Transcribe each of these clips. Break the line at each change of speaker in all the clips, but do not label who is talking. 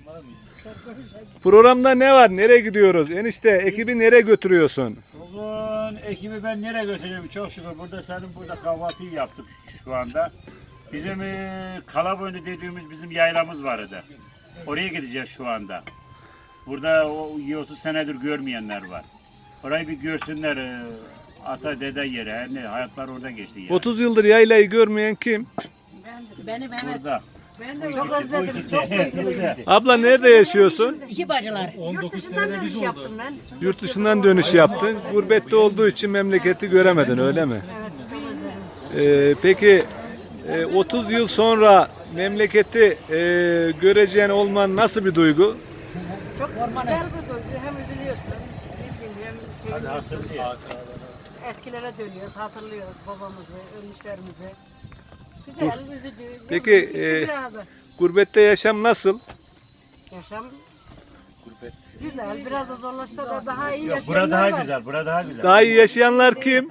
Programda ne var? Nereye gidiyoruz? Enişte ekibi nereye götürüyorsun?
Bugün ekibi ben nereye götürüyorum? Çok şükür burada senin burada kahvaltıyı yaptık şu anda. Bizim Kalaboynu dediğimiz bizim yaylamız vardı. Oraya gideceğiz şu anda. Burada o 30 senedir görmeyenler var. Orayı bir görsünler. Ata dede yeri. Her ne hayatlar orada geçti yani.
30 yıldır yaylayı görmeyen kim?
Benim evet.
Burada.
Ben de çok özledim. Çok duygulandım.
Abla nerede yaşıyorsun?
İki bacılar. Yurt dışından dönüş yaptım ben.
Yurt dışından dönüş yaptın. Gurbette olduğu için memleketi göremedin öyle mi?
Evet çok özledim.
Peki 30 yıl sonra memleketi göreceğin olman nasıl bir duygu?
Çok güzel bir duygu. Hem üzülüyorsun, ne bileyim hem seviniyorsun. Eskilere dönüyoruz, hatırlıyoruz babamızı, ölmüşlerimizi. Güzel, üzücü.
Peki,
istikrarlı.
Gurbette yaşam nasıl?
Yaşam güzel. Biraz da zorlaşsa da daha iyi
Yok,
yaşayanlar
burada daha
var.
güzel. Burada daha güzel.
Daha iyi yaşayanlar kim?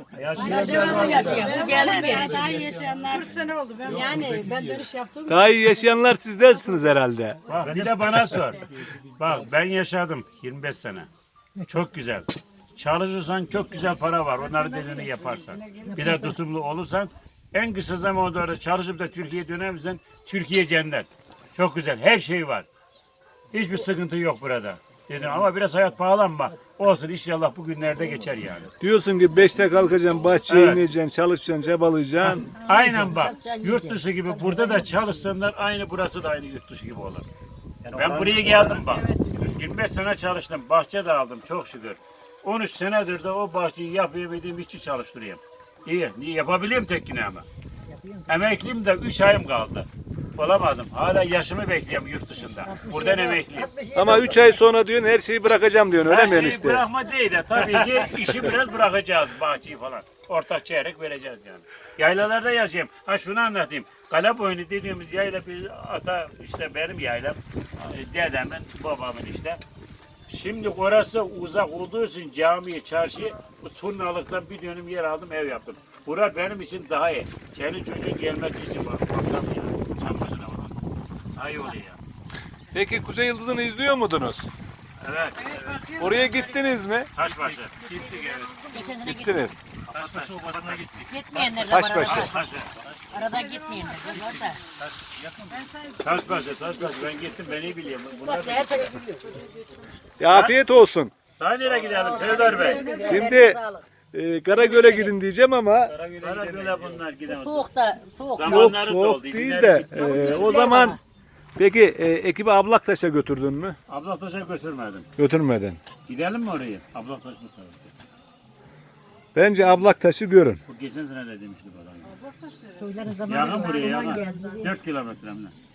Geldi beri. 40 sene oldu ben. Yani ben dönüş yaptım.
Daha iyi yaşayanlar sizlersiniz herhalde.
Bak bir de bana sor. Bak ben yaşadım 25 sene. Çok güzel. Çalışırsan çok güzel para var. Onların dediğini yaparsan. Bir de tutumlu olursan en kısa zamanda çalışıp da Türkiye'ye dönersen Türkiye cennet. Çok güzel. Her şey var. Hiçbir sıkıntı yok burada. Dedim ama biraz hayat pahalı ama olsun inşallah bugünlerde geçer yani.
Diyorsun ki 5'te kalkacaksın, bahçeye
Evet.
ineceksin, çalışacaksın, çabalayacaksın.
Aynen bak. Yurt dışı gibi burada da çalışsınlar aynı burası da aynı yurt dışı gibi olur. Ben buraya geldim bak. 25 sene çalıştım. Bahçe de aldım çok şükür. 13 senedir de o bahçeyi yapabildiğim işçi çalıştırıyorum. İyi. Niye yapabiliyorum tekini ama. Emekliyim de 3 ayım kaldı. Olamadım. Hala yaşımı bekliyorum yurt dışında. Buradan emekliyim.
Ama 3 ay sonra diyorsun her şeyi bırakacağım diyorsun öyle
Her
mi
şeyi
enişte?
bırakma değil de tabii ki işi biraz bırakacağız bahçeyi falan. Ortak çeyrek vereceğiz yani. Yaylalarda yaşayayım. Ha şunu anlatayım. Kalaboynu dediğimiz yayla bir ata işte benim yaylam. Dedemin, babamın işte. Şimdi orası uzak olduğu için camiyi, çarşıyı bu turnalıktan bir dönüm yer aldım ev yaptım. Bura benim için daha iyi. Senin çocuğun gelmesi için bak. Baksana ya. Sen başına vurun. Daha iyi oluyor ya.
Peki Kuzey Yıldızı'nı izliyor muydunuz?
Evet.
Oraya gittiniz mi?
Taşbaşı. Gittik evet.
Geçen sene gittim.
Gittiniz.
Taşbaşı obasına gittik.
Gitmeyenler de var
Taşbaşı.
arada.
Taşbaşı.
Arada gitmeyenler de var da.
Taşbaşı. Ben gittim ben iyi biliyorum. Bunlar
Bak her tarafı biliyor.
Ya afiyet olsun.
daha nereye gidelim Serdar Bey?
Şimdi Karagöl'e gidin diyeceğim ama
Karagöl'e bunlar gidelim.
Soğukta, soğuk.
Zaman-
yok
Zamanları
soğuk
doldu,
değil
izinler
de
bitti.
o zaman peki ekibi Ablaktaş'a götürdün mü?
Ablaktaş'a götürmedim.
Götürmedin.
Gidelim mi oraya? Ablaktaş mı tarafı?
Bence Ablaktaş'ı görün.
Bu geçen sene de demişti bana.
Söylerin zamanı
Yakın buraya
zaman
yakın.
geldi.
4 kilometre mi?